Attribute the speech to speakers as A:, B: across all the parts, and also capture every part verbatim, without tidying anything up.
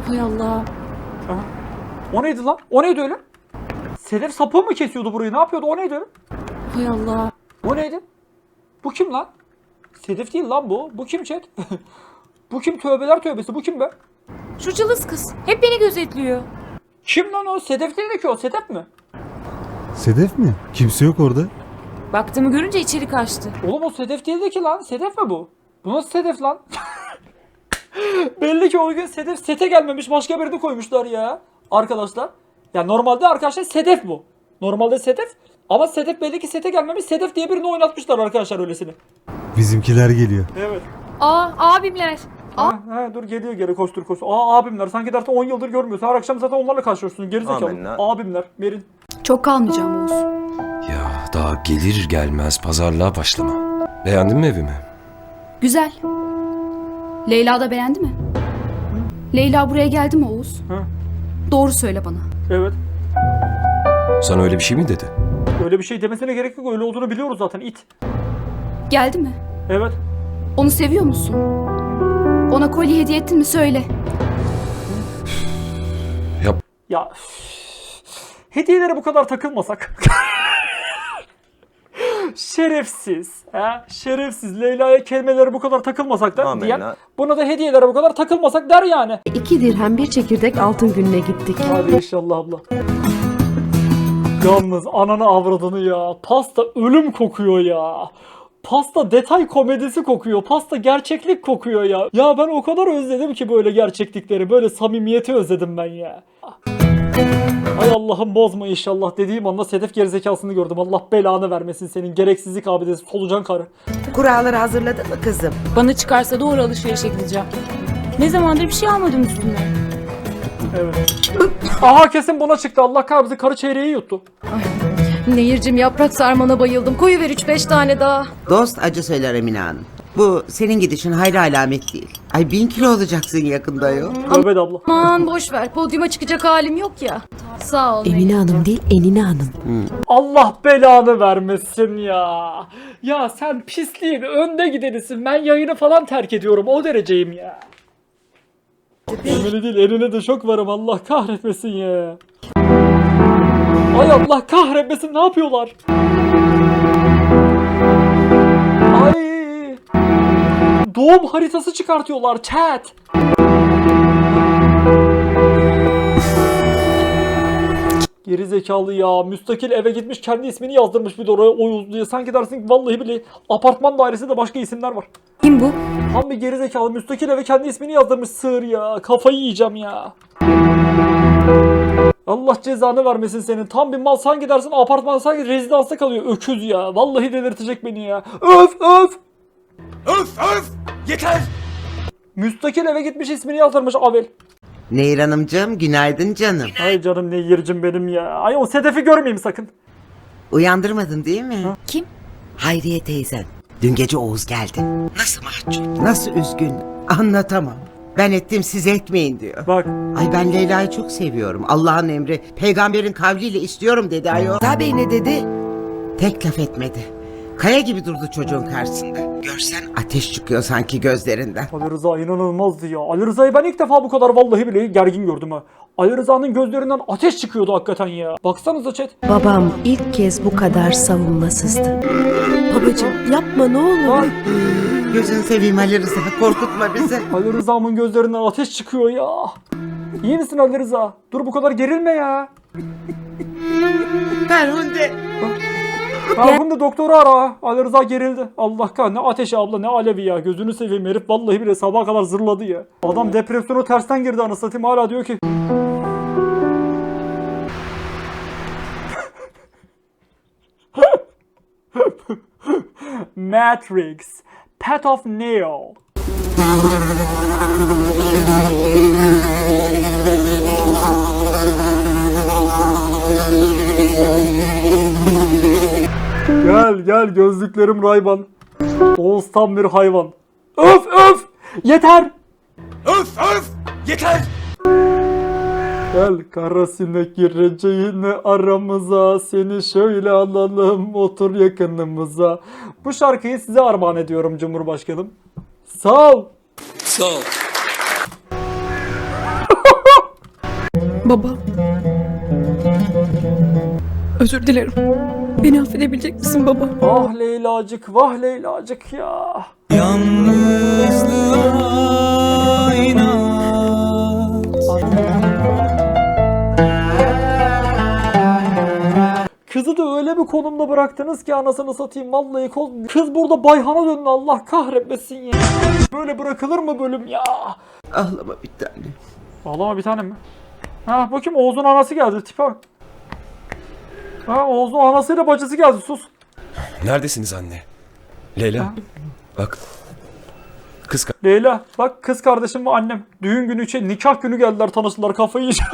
A: Hay Allah.
B: Aha. O neydi lan? O neydi öyle? Sedef sapı mı kesiyordu burayı? Ne yapıyordu? O neydi öyle?
A: Hay Allah.
B: O neydi? Bu kim lan? Sedef değil lan bu. Bu kim chat? Bu kim? Tövbeler tövbesi. Bu kim be?
A: Şu cılız kız. Hep beni gözetliyor.
B: Kim lan o? Sedef değil ki o. Sedef mi?
C: Sedef mi? Kimse yok orada.
A: Baktığımı görünce içeri kaçtı.
B: Oğlum o Sedef değildi ki lan. Sedef mi bu? Bu nasıl Sedef lan? Belli ki o gün Sedef sete gelmemiş. Başka birini koymuşlar ya. Arkadaşlar. Ya normalde arkadaşlar Sedef bu. Normalde Sedef. Ama Sedef belli ki sete gelmemiş. Sedef diye birini oynatmışlar arkadaşlar öylesini.
C: Bizimkiler geliyor.
B: Evet.
A: Aa abimler.
B: Ha, ha, dur geliyor geri koştur koştur. Aa abimler sanki zaten on yıldır görmüyorsun. Her akşam zaten onlarla karşılaşıyorsun. Gerizekalı.
D: Amenna.
B: Abimler. Merin.
E: Çok kalmayacağım Oğuz.
D: Ya daha gelir gelmez pazarlığa başlama. Beğendin mi evimi?
E: Güzel. Leyla da beğendi mi? Leyla buraya geldi mi Oğuz?
B: Hı.
E: Doğru söyle bana.
B: Evet.
D: Sana öyle bir şey mi dedi?
B: Öyle bir şey demesine gerek yok. Öyle olduğunu biliyoruz zaten. İt.
E: Geldi mi?
B: Evet.
E: Onu seviyor musun? Ona kolye hediye ettin mi söyle.
D: Yap.
B: Ya hediyelere bu kadar takılmasak. Şerefsiz. He? Şerefsiz. Leyla'ya kelimelere bu kadar takılmasak da
D: Amenna.
B: diyen buna da hediyelere bu kadar takılmasak der yani.
F: İki dirhem bir çekirdek altın gününe gittik.
B: Hadi inşallah abla. Yalnız ananı avradını ya. Pasta ölüm kokuyor ya. Pasta detay komedisi kokuyor. Pasta gerçeklik kokuyor ya. Ya ben o kadar özledim ki böyle gerçeklikleri. Böyle samimiyeti özledim ben ya. Ay Allah'ım bozma inşallah dediğim anda Sedef gerizekasını gördüm. Allah belanı vermesin senin gereksizlik abidesi solucan karı.
G: Kuralları hazırladın mı kızım?
A: Bana çıkarsa doğru alışverişe gideceğim. Ne zamandır bir şey almadım üstüme.
B: Evet. Aha kesin buna çıktı. Allah kahretsin karı çeyreği yuttu.
F: Nehircim yaprak sarmana bayıldım. Koyuver üç beş tane daha.
G: Dost acı söyler Emine Hanım. Bu senin gidişin hayra alamet değil. Ay bin kilo olacaksın yakında yo.
B: Tövbe de abla.
F: Aman boş ver. Podyuma çıkacak halim yok ya. Sağ ol.
H: Emine Hanım değil, Enine Hanım.
B: Allah belanı vermesin ya. Ya sen pisliğin önde gidenisin. Ben yayını falan terk ediyorum. O dereceyim ya. Emine değil eline de şok varım. Allah kahretmesin ya. Ay Allah kahretmesin ne yapıyorlar? Ay. Doğum haritası çıkartıyorlar chat. Geri zekalı ya. Müstakil eve gitmiş kendi ismini yazdırmış bir de oraya Oğuz diye. Sanki dersin ki vallahi bile apartman dairesinde başka isimler var.
A: Kim bu?
B: Tam bir geri zekalı müstakil eve kendi ismini yazdırmış sığır ya. Kafayı yiyeceğim ya. Allah cezanı vermesin senin. Tam bir mal sanki dersin apartman sanki rezidansta kalıyor. Öküz ya. Vallahi delirtecek beni ya. Öf öf.
D: Öf öf! Yeter!
B: Müstakil eve gitmiş ismini yazdırmış Avel.
G: Nehir Hanımcığım günaydın canım.
B: Ay canım ne yercim benim ya. Ay o Sedef'i görmeyeyim sakın.
G: Uyandırmadın değil mi?
A: Kim?
G: Hayriye teyzen. Dün gece Oğuz geldi. Nasıl mahcup, nasıl üzgün anlatamam. Ben ettim siz etmeyin diyor.
B: Bak.
G: Ay ben Leyla'yı çok seviyorum. Allah'ın emri peygamberin kavliyle istiyorum dedi ayol. Tabii ne dedi? Tek laf etmedi. Kaya gibi durdu çocuğun karşısında. Görsen ateş çıkıyor sanki gözlerinden.
B: Ali Rıza inanılmazdı ya. Ali Rıza'yı ben ilk defa bu kadar vallahi bile gergin gördüm ha. Ali Rıza'nın gözlerinden ateş çıkıyordu hakikaten ya. Baksanıza chat.
H: Babam ilk kez bu kadar savunmasızdı. Babacığım yapma ne olur.
B: Bak.
G: Gözünü seveyim Ali Rıza korkutma bizi.
B: Ali Rıza'mın gözlerinden ateş çıkıyor ya. İyi misin Ali Rıza? Dur bu kadar gerilme ya.
G: Ferhunde.
B: Farkında doktoru ara. Ali Rıza gerildi. Allah kahretsin ne ateşi abla ne alevi ya. Gözünü seveyim herif vallahi bile sabaha kadar zırladı ya. Adam depresyona tersten girdi anasını satayım hala diyor ki. Matrix. Path of Neo. Gel gel gözlüklerim Ray-Ban. Oğuz tam bir hayvan. Öf öf! Yeter!
D: Öf öf! Yeter!
B: Gel kara sinek gireceğine aramıza, seni şöyle alalım otur yakınımıza. Bu şarkıyı size armağan ediyorum Cumhurbaşkanım. Sağ ol.
D: Sağ ol.
F: Baba. Özür dilerim. Beni affedebilecek misin baba?
B: Ah Leylacık, vah Leylacık ya. Kızı da öyle bir konumda bıraktınız ki anasını satayım vallahi kol... Kız burada Bayhan'a döndü, Allah kahretmesin ya. Böyle bırakılır mı bölüm ya?
G: Ağlama bir tane.
B: Ağlama bir tanem mi? Ha bakayım Oğuz'un anası geldi, tipe bak. Ha Oğuz'un anasıyla bacısı geldi, sus.
D: Neredesiniz anne? Leyla. Bak. Kız ka-
B: Leyla bak, kız kardeşim ve annem düğün günü için nikah günü geldiler, tanıştılar, kafayı yiyeceğim.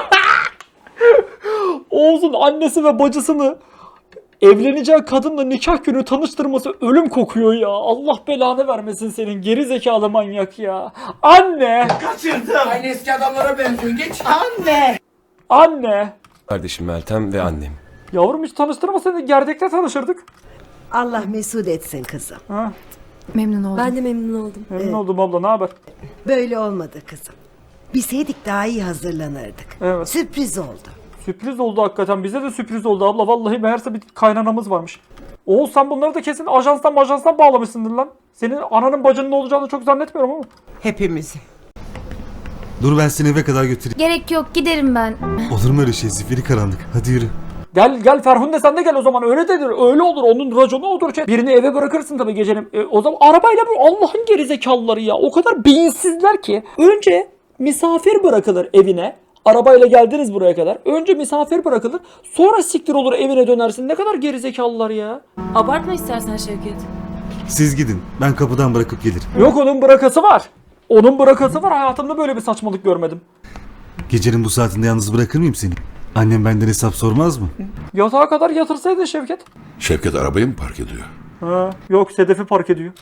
B: Oğuz'un annesi ve bacısını evleneceği kadınla nikah günü tanıştırması ölüm kokuyor ya. Allah belanı vermesin senin geri zekalı manyak ya. Anne!
I: Aynı eski adamlara benziyorsun. Geç. Anne.
B: Anne!
D: kardeşim Meltem ve annem.
B: Yavrum hiç tanıştırmasaydın gerdekte tanışırdık.
H: Allah mesut etsin kızım.
B: Ha,
F: Memnun oldum.
H: Ben de memnun oldum.
B: memnun oldum abla, ne haber?
H: Böyle olmadı kızım. Bilseydik daha iyi hazırlanırdık.
B: Evet.
H: Sürpriz oldu.
B: Sürpriz oldu hakikaten, bize de sürpriz oldu abla. Vallahi meğerse bir kaynanamız varmış. Oğuz sen bunları da kesin ajanstan ajanstan bağlamışsındır lan. Senin ananın bacının olacağını çok zannetmiyorum ama.
G: Hepimizi.
C: Dur ben seni eve kadar götüreyim.
E: Gerek yok, giderim ben.
C: Olur mu öyle şey? Zifiri karanlık. Hadi yürü.
B: Gel gel Ferhunde, sen de gel o zaman, öyle dedir, öyle olur, onun raconu odur. Şey. Birini eve bırakırsın tabii gecenin. E, o zaman arabayla bu Allah'ın gerizekalıları ya, o kadar beyinsizler ki. Önce misafir bırakılır evine. Arabayla geldiniz buraya kadar. Önce misafir bırakılır. Sonra siktir olur evine dönersin. Ne kadar gerizekalılar ya.
A: Abartma istersen Şevket.
C: Siz gidin. Ben kapıdan bırakıp gelirim.
B: Yok, onun bırakası var. Onun bırakası var. Hayatımda böyle bir saçmalık görmedim.
C: Gecenin bu saatinde yalnız bırakır mıyım seni? Annem benden hesap sormaz mı?
B: Yatağa kadar yatırsaydın Şevket.
J: Şevket arabayı mı park ediyor?
B: Ha, yok Sedef'i park ediyor.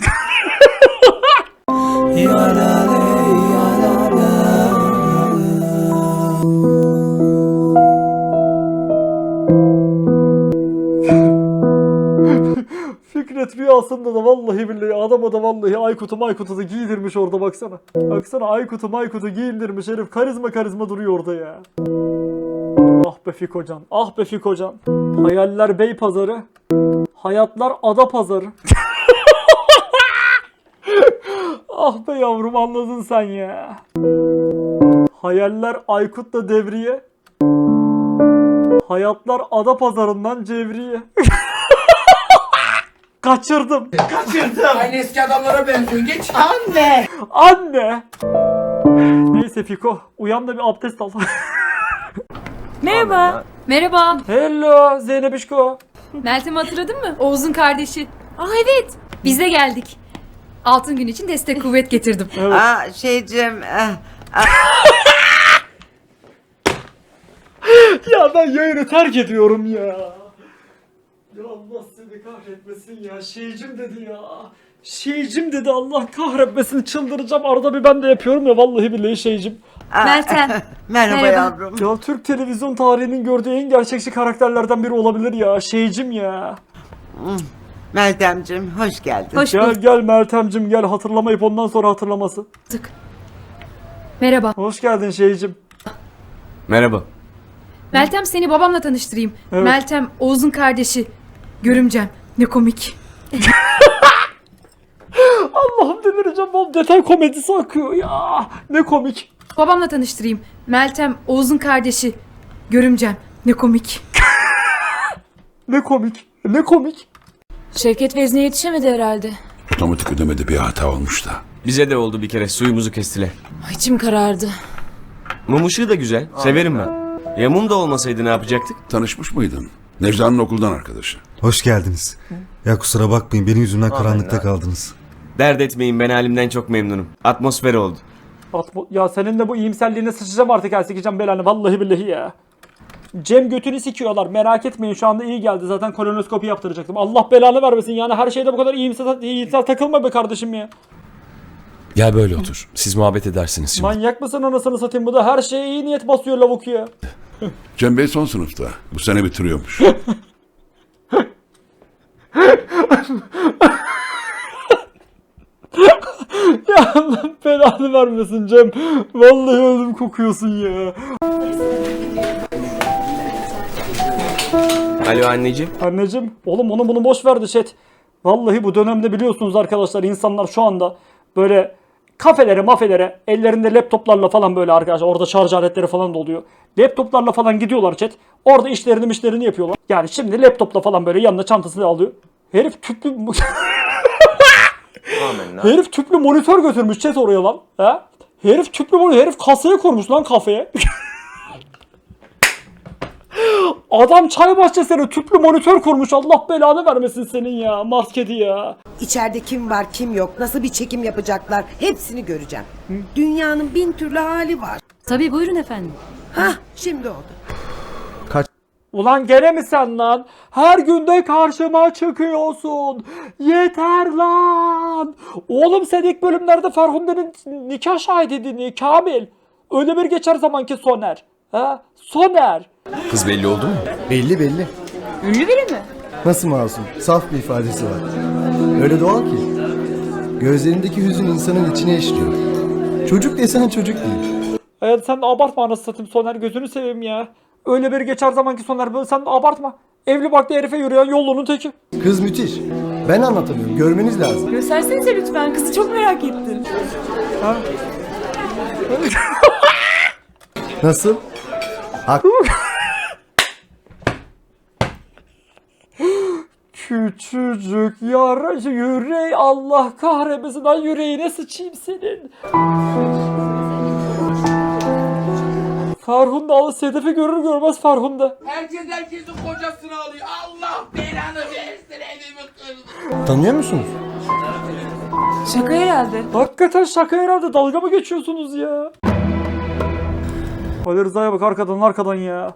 B: Fikret rüyasında da vallahi billahi adama da vallahi Aykut'u Maykut'u da giydirmiş orada, baksana. Baksana Aykut'u Maykut'u giyindirmiş herif, karizma karizma duruyor orada ya. Ah be Fikocan, ah be Fikocan. Hayaller bey pazarı, hayatlar ada pazarı. Ah be yavrum, anladın sen ya. Hayaller Aykut'la devriye, hayatlar ada pazarından cevriye. Kaçırdım.
I: Kaçırdım. Aynı eski adamlara benziyorsun. Geç. Anne.
B: Anne. Neyse Fiko, uyan da bir abdest al.
A: Merhaba.
E: Merhaba.
B: Hello Zeynepişko.
E: Meltem'i hatırladın mı? Oğuz'un kardeşi. Aa evet. Biz de geldik. Altın gün için destek kuvvet getirdim.
B: Evet.
G: Aa şeycim. eh,
B: Ya ben yayını terk ediyorum ya. Ya Allah seni kahretmesin ya. Şeycim dedi ya. Şeycim dedi, Allah kahretmesin, çıldıracağım. Arada bir ben de yapıyorum ya, vallahi billahi şeycim.
G: aa,
E: Meltem.
G: Merhaba,
E: Merhaba.
G: yavrum.
B: Ya Türk televizyon tarihinin gördüğü en gerçekçi karakterlerden biri olabilir ya. Şeycim ya.
G: Meltemciğim hoş geldin.
E: Hoş
B: Gel
E: bulduk.
B: gel Meltemcim gel, hatırlamayıp ondan sonra hatırlaması.
E: Merhaba.
B: Hoş geldin şeycim.
D: Merhaba.
E: Meltem, seni babamla tanıştırayım.
B: Evet.
E: Meltem, Oğuz'un kardeşi. Görümcem. Ne komik.
B: Allah'ım delireceğim, bu detay komedisi akıyor ya. Ne komik.
E: Babamla tanıştırayım. Meltem, Oğuz'un kardeşi. Görümcem. Ne komik.
B: Ne komik. Ne komik.
A: Şevket vezne yetişemedi herhalde.
J: Otomatik ödemede bir hata olmuş da.
K: Bize de oldu bir kere, suyumuzu kestiler.
A: Ay, İçim karardı.
K: Mum ışığı da güzel, severim ben. Ya mum da olmasaydı ne yapacaktık?
J: Tanışmış mıydın? Necla'nın okuldan arkadaşı.
C: Hoş geldiniz. Ya kusura bakmayın benim yüzümden karanlıkta kaldınız.
K: Dert etmeyin, ben halimden çok memnunum. Atmosfer oldu.
B: Atma- ya senin de bu iyimserliğine sıçacağım artık, ha sikeceğim belanı vallahi billahi ya. Cem götünü sikiyorlar, merak etmeyin, şu anda iyi geldi, zaten kolonoskopi yaptıracaktım. Allah belanı vermesin yani, her şeyde bu kadar iyimser, iyimser takılma be kardeşim ya.
D: Gel böyle otur. Siz muhabbet edersiniz şimdi.
B: Manyak mısın anasını satayım, bu da her şeye iyi niyet basıyor lavuk ya.
J: Cem Bey son sınıfta. Bu sene bitiriyormuş.
B: Ya Allah belanı vermesin Cem. Vallahi ölüm kokuyorsun ya.
K: Alo anneciğim.
B: Anneciğim, oğlum onu bunu boş ver de chat. Vallahi bu dönemde biliyorsunuz arkadaşlar, insanlar şu anda böyle kafelere mafelere ellerinde laptoplarla falan böyle arkadaşlar, orada şarj aletleri falan da oluyor. Laptoplarla falan gidiyorlar chat. Orada işlerini işlerini yapıyorlar. Yani şimdi laptopla falan böyle yanına çantasını alıyor. Herif tüplü Herif tüplü monitör götürmüş chat oraya lan. He? Herif tüplü monitör, herif kasaya kurmuş lan kafeye. Adam çay bahçesine tüplü monitör kurmuş. Allah belanı vermesin senin ya. Mars kedi ya.
G: İçeride kim var kim yok, nasıl bir çekim yapacaklar hepsini göreceğim. Dünyanın bin türlü hali var.
E: Tabii buyurun efendim.
G: Hah şimdi oldu.
B: Ulan gene mi sen lan? Her günde karşıma çıkıyorsun. Yeter lan. Oğlum sen ilk bölümlerde Ferhunde'nin nikah şahidiydin Kamil. Öyle bir geçer zamanki Soner. Ha? Soner.
K: Kız belli oldu mu?
A: Belli belli. Ünlü biri mi?
L: Nasıl masum? Saf bir ifadesi var. Öyle doğal ki. Gözlerindeki hüzün insanın içine işliyor. Çocuk desene çocuk değil.
B: Evet sen de abartma anasını satayım Soner, gözünü seveyim ya. Öyle bir geçer zamanki Soner, böyle sen de abartma. Evli barklı herife yürüyen yolunun teki.
L: Kız müthiş. Ben anlatamıyorum. Görmeniz lazım.
A: Göstersenize lütfen, kızı çok merak ettim.
B: Ha?
L: Nasıl? Hak.
B: Küçücük yara yüreği, Allah kahretmesin lan, yüreğine sıçayım senin. Ferhunde al, Sedef'i görür görmez Ferhunde.
I: Herkes herkesin kocasını alıyor. Allah belanı versin, evimi kırdı.
L: Tanıyor musunuz?
A: Şaka herhalde.
B: Hakikaten şaka herhalde, dalga mı geçiyorsunuz ya? Ali Rıza'ya bak arkadan arkadan ya.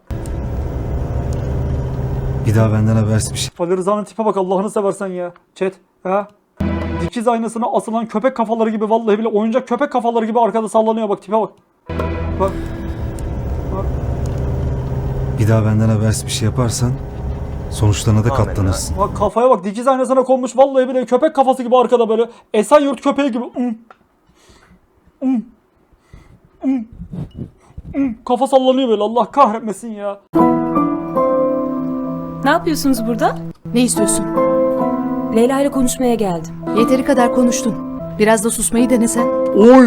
C: Bir daha benden habersiz bir şey.
B: Ali Rıza'nın tipe bak Allah'ını seversen ya. Chat. Ha? Dikiz aynasına asılan köpek kafaları gibi, vallahi bile oyuncak köpek kafaları gibi arkada sallanıyor, bak tipe bak. Bak. Bak.
C: Bir daha benden habersiz bir şey yaparsan sonuçlarına da katlanırsın.
B: Bak kafaya bak, dikiz aynasına konmuş, vallahi bile köpek kafası gibi arkada böyle. Esenyurt köpeği gibi. Mm. Mm. Mm. Mm. Kafa sallanıyor böyle, Allah kahretmesin ya.
A: Ne yapıyorsunuz burada?
F: Ne istiyorsun?
A: Leyla ile konuşmaya geldim.
F: Yeteri kadar konuştun. Biraz da susmayı denesen.
B: Oy.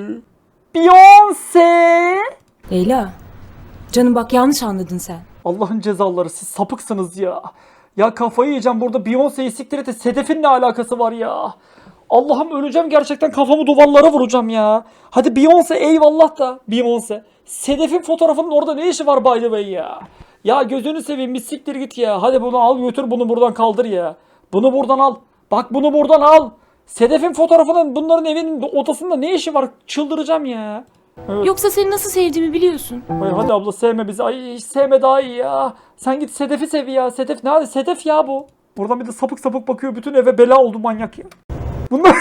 B: Beyoncé.
A: Leyla, canım bak yanlış anladın sen.
B: Allah'ın cezaları, siz sapıksınız ya. Ya kafayı yiyeceğim burada, Beyoncé'yi siktir et, Sedef'in ne alakası var ya? Allah'ım öleceğim gerçekten, kafamı duvarlara vuracağım ya. Hadi Beyoncé eyvallah da Beyoncé. Sedef'in fotoğrafının orada ne işi var by the way ya? Ya gözünü seveyim, bir siktir git ya. Hadi bunu al götür, bunu buradan kaldır ya. Bunu buradan al. Bak bunu buradan al. Sedef'in fotoğrafının bunların evinin odasında ne işi var? Çıldıracağım ya. Evet.
A: Yoksa seni nasıl sevdiğimi biliyorsun.
B: Ay hadi abla sevme bizi. Ay hiç sevme daha iyi ya. Sen git Sedef'i sev ya. Sedef ne hadi Sedef ya bu. Buradan bir de sapık sapık bakıyor. Bütün eve bela oldu manyak ya. Bunlar...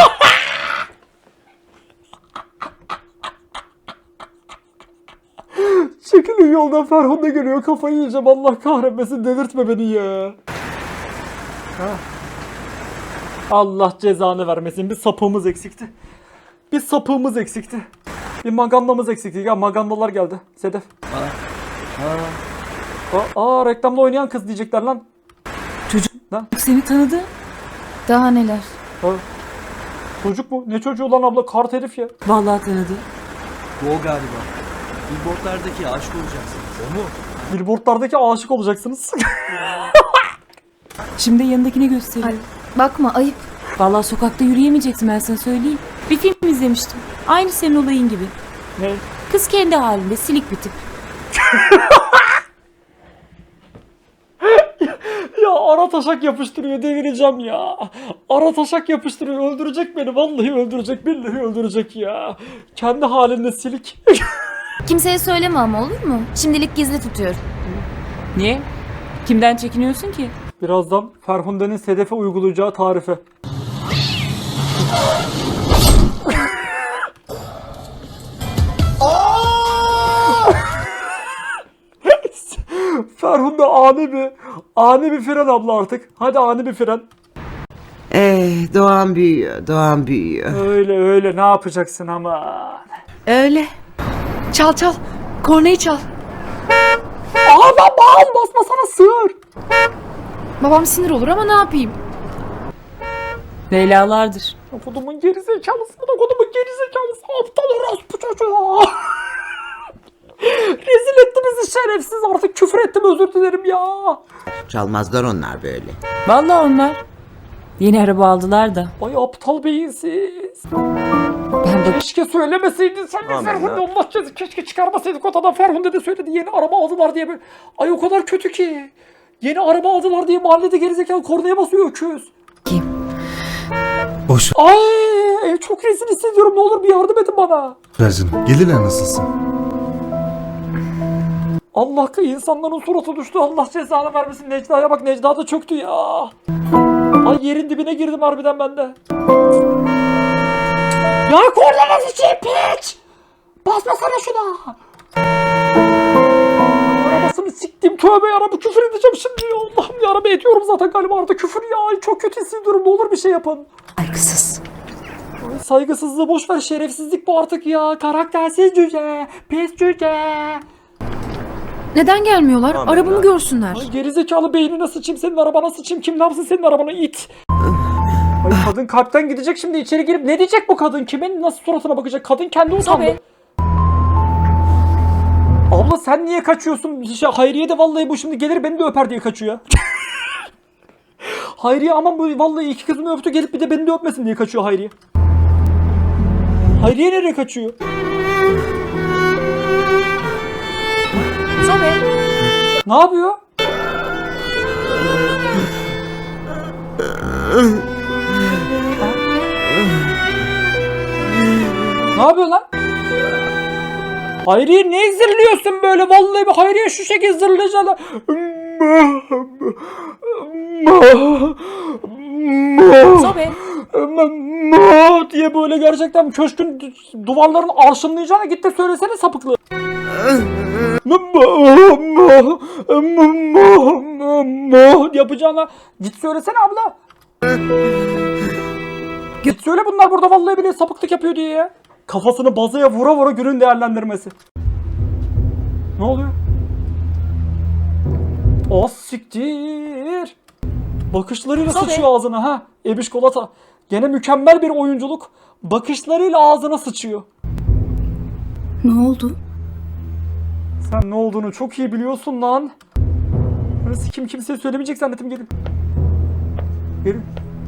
B: Çekilin yoldan, Ferhunde geliyor, kafayı yiyeceğim, Allah kahretmesin, delirtme beni ya. Ha. Allah cezanı vermesin, bir sapığımız eksikti. Bir sapığımız eksikti. Bir magandamız eksikti. Ya magandalar geldi. Sedef. Aa, aa reklamda oynayan kız diyecekler lan.
A: Çocuk
B: lan.
A: Seni tanıdı.
F: Daha neler?
B: Ha. Çocuk mu? Ne çocuğu lan abla? Kart herif ya.
A: Vallahi tanıdı.
K: O galiba. Billboardlardaki aşık olacaksınız. O mu?
B: Billboardlardaki aşık olacaksınız.
A: Şimdi yanındakini göstereyim.
F: Bakma ayıp.
A: Vallahi sokakta yürüyemeyeceksin, ben sana söyleyeyim. Bir film izlemiştim. Aynı senin olayın gibi.
B: Ne?
A: Kız kendi halinde silik bir tip.
B: Ya ara taşak yapıştırıyor, delireceğim ya. Ara taşak yapıştırıyor, öldürecek beni, vallahi öldürecek, billahi öldürecek ya. Kendi halinde silik.
E: Kimseye söyleme ama, olur mu? Şimdilik gizli tutuyorum.
A: Niye? Kimden çekiniyorsun ki?
B: Birazdan Ferhunde'nin Sedef'e uygulayacağı tarife. Ferhunde ani bir ani bir fren abla artık. Hadi ani bir fren.
G: Eh, Doğan büyüyor, Doğan büyüyor.
B: Öyle öyle ne yapacaksın ama.
H: Öyle.
E: Çal çal. Kornayı çal.
B: Aa ben bağım basmasana sığır.
E: Babam sinir olur ama ne yapayım?
A: Leylalardır.
B: Kodumun gerizekalısı, bu da kodumun gerizekalısı. Aptal orospu çocuğu. Rezil etti bizi şerefsiz, artık küfür ettim, özür dilerim ya.
G: Çalmazlar onlar böyle.
A: Vallahi onlar. Yeni araba aldılar da.
B: Ay aptal beyinsiz.
A: Ben bak
B: Keşke söylemeseydin sen de
K: Aman
B: Ferhunde,
K: ya.
B: Allah cezası. Keşke çıkarmasaydık odadan. Ferhunde de söyledi yeni araba aldılar diye. Böyle. Ay o kadar kötü ki. Yeni araba aldılar diye mahallede gerizekalı kornaya basıyor öküz.
C: Boş
B: Ay çok rezil hissediyorum, ne olur bir yardım edin bana.
C: ver canım. Gelirler nasılsın?
B: Allah insanların suratı düştü. Allah cezanı vermesin. Necda'ya bak, Necda da çöktü ya. Ay yerin dibine girdim harbiden ben de. Ya korna sıçayım piç! Basmasana şuna! Arabasını siktim, tövbe yarabbi, küfür edeceğim şimdi ya. Allah'ım yarabbi, ediyorum zaten galiba arada küfür ya. Ay çok kötü hissediyorum, ne olur bir şey yapın.
H: Saygısız.
B: Ay, saygısızlığı boş ver, şerefsizlik bu artık ya. Karaktersiz cüce, pis cüce.
E: Neden gelmiyorlar?
K: Aman
E: Arabamı
K: ya.
E: görsünler.
B: Ay gerizekalı, beynine sıçayım, senin arabana sıçayım, kim ne yapsın senin arabana, it. Ay kadın kalpten gidecek şimdi, içeri girip ne diyecek bu kadın, kimin nasıl suratına bakacak, kadın kendi utandı.
A: Tabii.
B: Abla sen niye kaçıyorsun? Şey, Hayriye de vallahi bu şimdi gelir beni de öper diye kaçıyor. Hayriye aman bu vallahi iki kızımı öptü, gelip bir de beni de öpmesin diye kaçıyor Hayriye. Hayriye nereye kaçıyor?
A: Sobe.
B: Ne yapıyor? Ne yapıyor lan? Hayriye ne zırlıyorsun böyle? Vallahi bir Hayriye şu şekilde zırlayacaksın.
A: Sobe.
B: diye böyle gerçekten köşkün duvarlarını arşınlayacağına git de söylesene sapıklı. yapacağına git söylesene abla. Git söyle, bunlar burada vallahi bile sapıklık yapıyor diye ya. Kafasını bazaya vura vura günün değerlendirmesi. Ne oluyor? Az siktir. Bakışlarıyla
A: Tabii.
B: sıçıyor ağzına ha. Ebiş Kolata. Gene mükemmel bir oyunculuk. Bakışlarıyla ağzına sıçıyor.
H: Ne oldu?
B: Sen ne olduğunu çok iyi biliyorsun lan. Burası kim kimseye söylemeyecek zannettim, gelin. Gelin.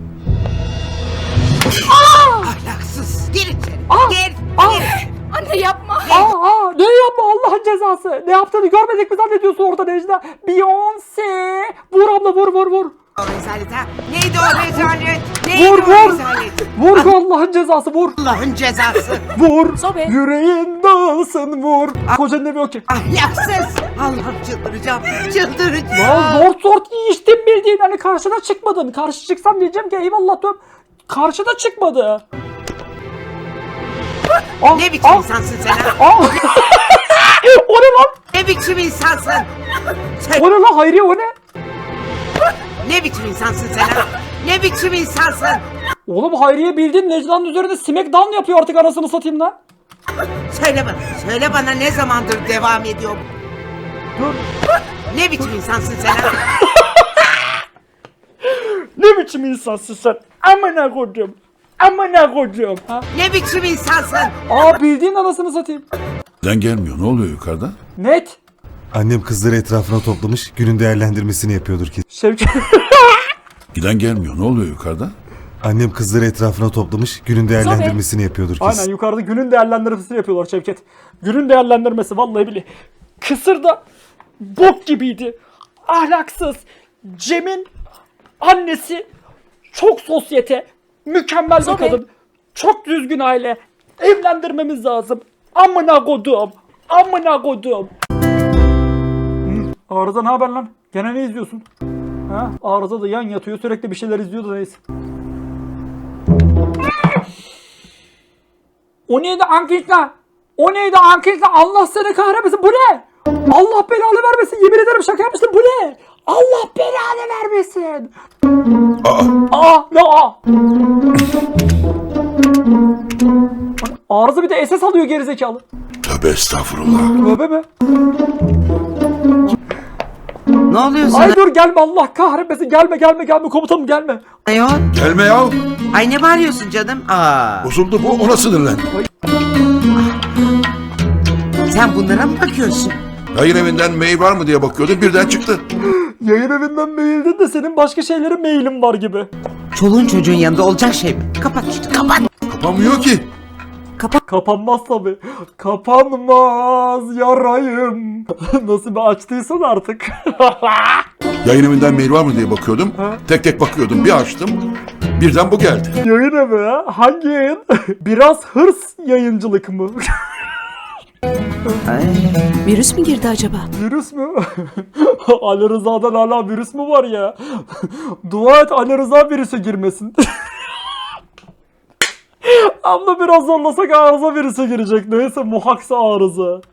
G: Ahlaksız. Gir içeri. Gir. Gir.
E: Anne yapma.
B: Aa, aa, ne yapma Allah'ın cezası. Ne yaptığını görmedik mi zannediyorsun orada Necla? Beyoncé. Vur abla, vur vur vur.
G: O rezalet ha. Neydi o rezalet? Neydi
B: Vur
G: o
B: vur.
G: rezalet?
B: Vur Allah'ın cezası, vur.
G: Allah'ın cezası.
B: Vur.
A: Sobe.
B: Yüreğin dağılsın, vur. Kocanın evi yok ki.
G: Ahlaksız. Allah'ım çıldıracağım. Çıldıracağım.
B: Ya zor zor içtim bildiğin, hani karşına çıkmadın. Karşı çıksam diyeceğim ki eyvallah diyorum. Karşıda çıkmadı. Ah,
G: Ne biçim
B: ah,
G: insansın sen ha?
B: ah. O ne lan?
G: Ne biçim insansın? Sen
B: O ne lan Hayriye, o ne?
G: ne biçim insansın sen ha? Ne biçim insansın?
B: Oğlum Hayriye bildiğin Necla'nın üzerinde smackdown yapıyor artık, anasını satayım lan.
G: Söyle bana. Söyle bana, ne zamandır devam ediyor bu?
B: Dur.
G: Ne biçim insansın sen ha?
B: Ne biçim insansın sen? Amına koydum. Amına koydum. Ha?
G: Ne biçim insansın?
B: Aa bildiğin anasını satayım.
J: Neden gelmiyor? Ne oluyor yukarıda?
B: Net.
C: Annem kızları etrafına toplamış, günün değerlendirmesini yapıyordur ki.
B: Şevket.
J: Giden gelmiyor. Ne oluyor yukarıda?
C: Annem kızları etrafına toplamış, günün değerlendirmesini yapıyordur ki.
B: Aynen, yukarıda günün değerlendirmesini yapıyorlar Şevket. Günün değerlendirmesi vallahi bile. Kısır da bok gibiydi. Ahlaksız. Cem'in annesi çok sosyete. Mükemmel bir
A: Sobe.
B: kadın. Çok düzgün aile. Evlendirmemiz lazım. Amına kodum. Amına kodum. Hı, Arıza ne haber lan? Gene ne izliyorsun? Ha? Arıza da yan yatıyor, sürekli bir şeyler izliyor da neyse. O neydi Ankişla? O neydi Ankişla? Allah seni kahretmesin. Bu ne? Allah belanı vermesin. Yemin ederim şaka yapmıştım. Bu ne? Allah belanı vermesin.
J: Aa,
B: Aa ne aa? Arıza bir de S S alıyor gerizekalı.
J: tövbe estağfurullah.
B: Tövbe be.
G: Ne oluyor sana
B: Ay dur gelme Allah kahretmesin. Gelme gelme gelme komutanım gelme.
G: ayol?
J: Gelme ya.
G: Ay ne bağırıyorsun canım? Aa.
J: Bozuldu bu, ona sinirlen.
G: Sen bunlara mı bakıyorsun?
J: Yayın evinden mail var mı diye bakıyordum, birden çıktı.
B: Yayın evinden maildin de senin başka şeylere mailin var gibi.
G: Çoluğun çocuğun yanında olacak şey mi? Kapat işte kapat.
J: Kapanmıyor ki.
B: Kapanmaz tabi. Kapanmaz yarayım. Nasıl bir açtıysan artık.
J: Yayın evinden mail var mı diye bakıyordum. Tek tek bakıyordum, bir açtım. Birden bu geldi.
B: Yayın evi ha? Hangi yayın? Biraz hırs yayıncılık mı?
H: Virüs mü girdi acaba?
B: Virüs mü? Ali Rıza'dan hala virüs mü var ya? Dua et Ali Rıza virüse girmesin. Abla biraz zorlasak arıza virüse girecek. Neyse muhaksa arıza.